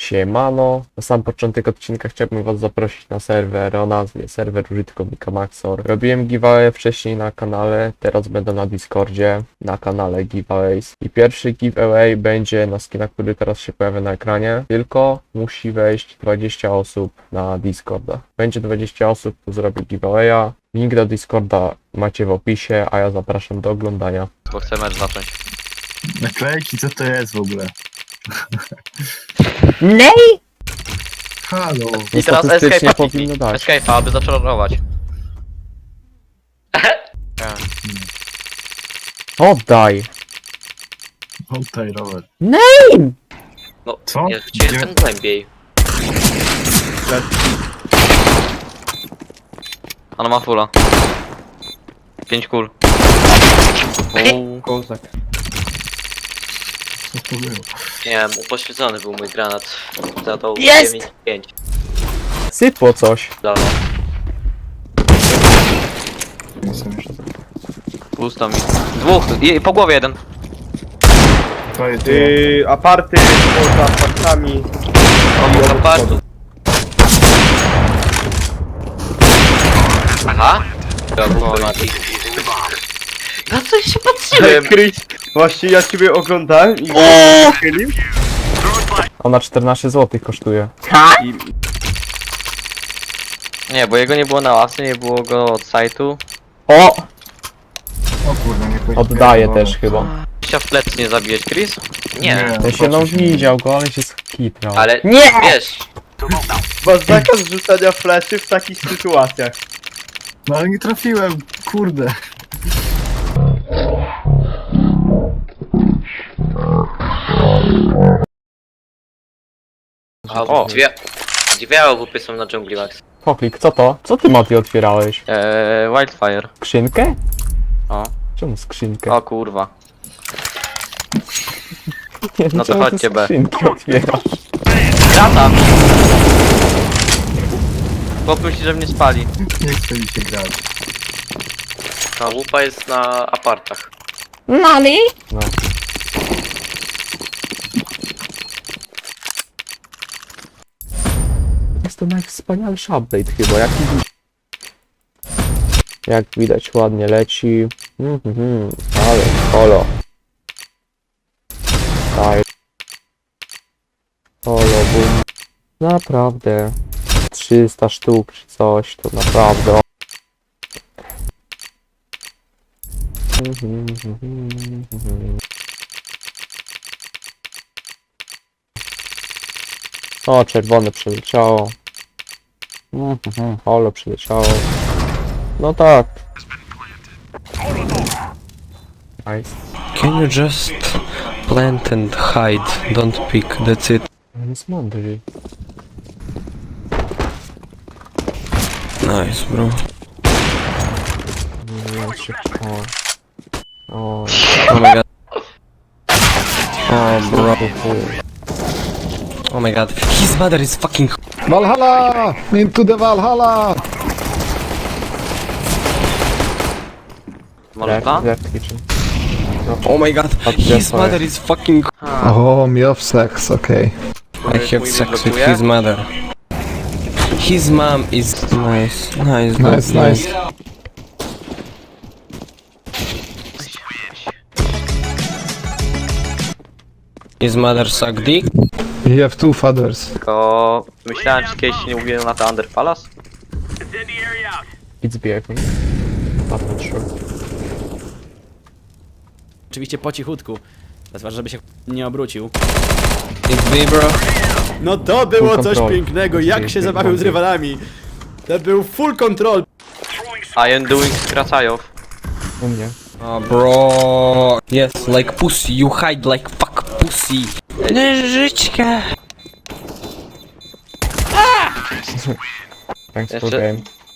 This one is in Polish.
Siemano, na sam początek odcinka chciałbym was zaprosić na serwer o nazwie serwer użytkownika Maxor. Robiłem giveaway wcześniej na kanale, teraz będę na Discordzie, na kanale giveaways. I pierwszy giveaway będzie na skina, który teraz się pojawia na ekranie, tylko musi wejść 20 osób na Discorda. Będzie 20 osób, to zrobi giveawaya. Link do Discorda macie w opisie, a ja zapraszam do oglądania. Bo chcę mecz zacząć. Naklejki, co to jest w ogóle? Nej! Halo! I teraz Statystycznie escape'a powinno dać. Escape'a, aby zaczarować. Oddaj! Oddaj rower. No, Co? ja gdzie jestem głębiej. Ona ma fulla. 5 kul. Kozak. Co to było? Nie wiem, upośledzony był mój granat. Zadał Jest! 5. Sypło coś. Dobra, Nie są już. pusto mi. Dwóch, i po głowie jeden. To jest Aparty poza apartami. Obok apartu. Aha. Na coś się patrzyłem. Chris, właśnie ja ciebie oglądałem i chylił. Ona 14 zł kosztuje. I Nie, bo jego nie było na ławce, nie było go od sajtu. O! O kurde, nie powiedziałem. Oddaję też chyba. Chciał w plecy nie zabijać, Chris? Nie. Ja się no widział go, ale się skitrał. Ale Nie! wiesz, masz zakaz rzucania fleszy w takich sytuacjach. No ale nie trafiłem, kurde. o, dwie AWP są na dżungli Max. Poklik, co to? Co ty, Mati, otwierałeś? Wildfire. Skrzynkę? O, Czemu skrzynkę? o kurwa. Nie, no to czemu ty chodźcie, B. skrzynki otwierasz? Grata! Chłop myśli, że mnie spali. Nie chce mi się grać. Ta łupa jest na apartach. Nani? No. Jest to najwspanialszy update chyba, jak widać ładnie leci. Ale holo. Daj. Holo, boom. Naprawdę. 300 sztuk czy coś, to naprawdę. O, czerwone przeleciało. Holo przeleciało. No tak. Nice. Can you just plant and hide? Don't pick, that's it. On jest mądry. Nice, bro. O, Oh my god. Oh, bro. Oh my god. His mother is fucking. Valhalla! Into the Valhalla! Może dwa? left kitchen. Oh my god. His mother is fucking. Oh, me of sex, okay. I have sex with his mother. His mom is nice. Nice, dude, Nice, nice. His mother suck dick. You have two fathers. Tylko myślałem, czy kiedyś nie mówiłem na to Under Palace? It's behind. Not sure. Oczywiście po cichutku. Zważa, żeby się nie obrócił. It's B, bro. No to było Full coś control. pięknego, jak się zabawił z rywalami. To był full control. I am doing skracajow. U mnie. Oh, bro. Yes, like pussy. You hide like fuck pussy. Nożyczka. Thanks for Jeszcze- game.